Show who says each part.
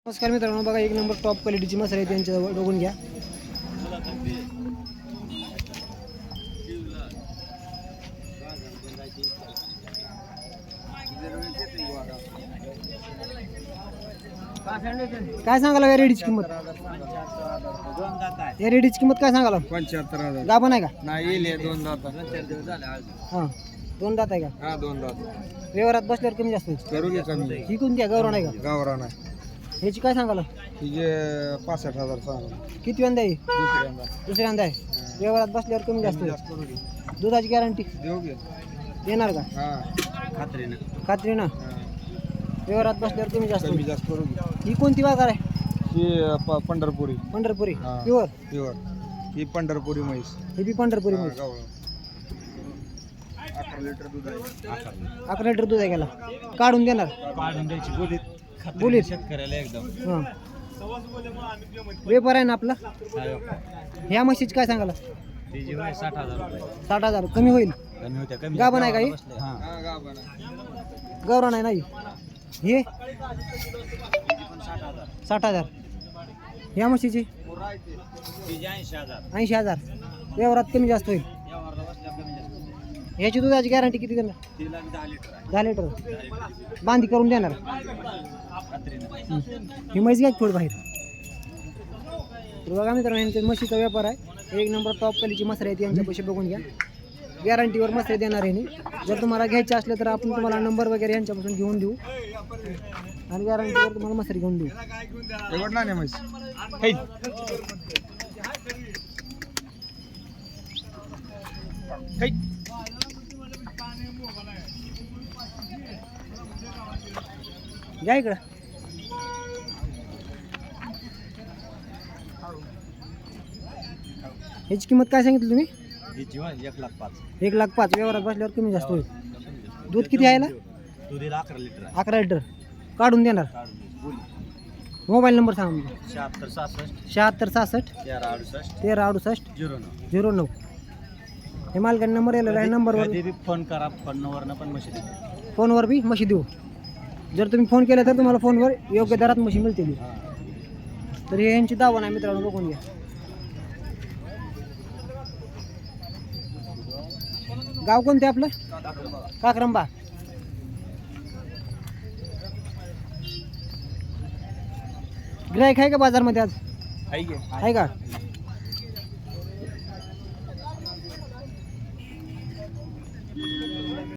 Speaker 1: नमस्कार मित्रांनो, बघा एक नंबर टॉप क्वालिटीची मसाले आहे त्यांच्याजवळ, बघून घ्या. काय सांगाला या रेडीची किंमत? या रेडीची किंमत काय सांगाला?
Speaker 2: 75,000.
Speaker 1: गाभण आहे का?
Speaker 2: नाही येईल 2 दात.
Speaker 1: हां, 2 दात आहे का?
Speaker 2: हा 2 दात.
Speaker 1: व्यवहारात बसल्यावर कमी जास्त होईल.
Speaker 2: करू घे कमी.
Speaker 1: ही कोणती आहे? गौरव नाही का?
Speaker 2: गावरान आहे.
Speaker 1: ह्याची काय सांगाला?
Speaker 2: तिचे 65,000 सांगा.
Speaker 1: किती वंदा आहे?
Speaker 2: दुसऱ्यांदा
Speaker 1: दुसऱ्यांदा आहे. व्यवहारात बसल्यावर कमी जास्त होईल.
Speaker 2: करू घे.
Speaker 1: दुधाची गॅरंटी
Speaker 2: देऊ घे.
Speaker 1: देणार का?
Speaker 2: हा खात्रीनं.
Speaker 1: खात्रीनं व्यवहारात बसल्यावर कमी जास्त
Speaker 2: कमी
Speaker 1: होईल.
Speaker 2: जास्त करू घे.
Speaker 1: ही कोणती बाजार आहे?
Speaker 2: ही पंढरपुरी.
Speaker 1: पंढरपुरी
Speaker 2: हा.
Speaker 1: प्युअर.
Speaker 2: प्युअर. ही पंढरपुरी म्हैस.
Speaker 1: ही बी पंढरपुरी
Speaker 2: हा,
Speaker 1: म्हैस.
Speaker 2: गावरान. 11 लिटर दूध आहे.
Speaker 1: 11 लिटर दूध आहे गेला. काढून देणार?
Speaker 2: काढून द्यायची बोलीत.
Speaker 1: बोलीत
Speaker 2: शेतकऱ्याला एकदम.
Speaker 1: हां, व्यापार आहे ना आपला. ह्या म्हशीची काय सांगाला?
Speaker 2: तिची 60,000 रुपये.
Speaker 1: 60,000 कमी होईल.
Speaker 2: कमी होत्या कमी.
Speaker 1: गाभण आहे का ही?
Speaker 2: हा गाभण आहे.
Speaker 1: गौरव नाही नाही. हे 60,000. ह्या म्हशीची 80,000. व्यवहारात कमी जास्त होईल. ह्याची दुधाची गॅरंटी किती देणार? 10 लिटर बांधी करून देणार. ही म्हैस घ्या थोडी बाहेर. तर बघा मित्रांनो, यांच्या म्हशीचा व्यापार आहे. एक नंबर टॉप क्वालिटीची मसरे आहेत यांच्यापाशी, बघून घ्या. गॅरंटीवर मसरे देणार आहे. जर तुम्हाला घ्यायचे असले तर आपण तुम्हाला नंबर वगैरे यांच्यापासून घेऊन देऊ आणि गॅरंटीवर तुम्हाला मसरे घेऊन देऊ.
Speaker 2: एवढला नाही म्हैस.
Speaker 1: घ्या इकडं. ह्याची किंमत काय सांगितली तुम्ही?
Speaker 2: 1,05,000.
Speaker 1: 1,05,000. व्यवहारात बसल्यावर कमी जास्त होईल. दूध किती आहे ना?
Speaker 2: 11 लिटर.
Speaker 1: 11 लिटर काढून देणार. मोबाईल नंबर सांगा म्हणजे. 76 1368 09. हे मालकाने नंबर आलेला आहे. नंबरवर
Speaker 2: फोन करा.
Speaker 1: फोनवर बी म्हशी देऊ. जर तुम्ही फोन केला तर तुम्हाला फोनवर योग्य दरात म्हशी मिळतील. तर हे यांची दावा नाही मित्रांनो, बघून घ्या. गाव कोणते आपलं? काक्रंबा. गिराईक आहे का बाजारमध्ये आज? आहे का?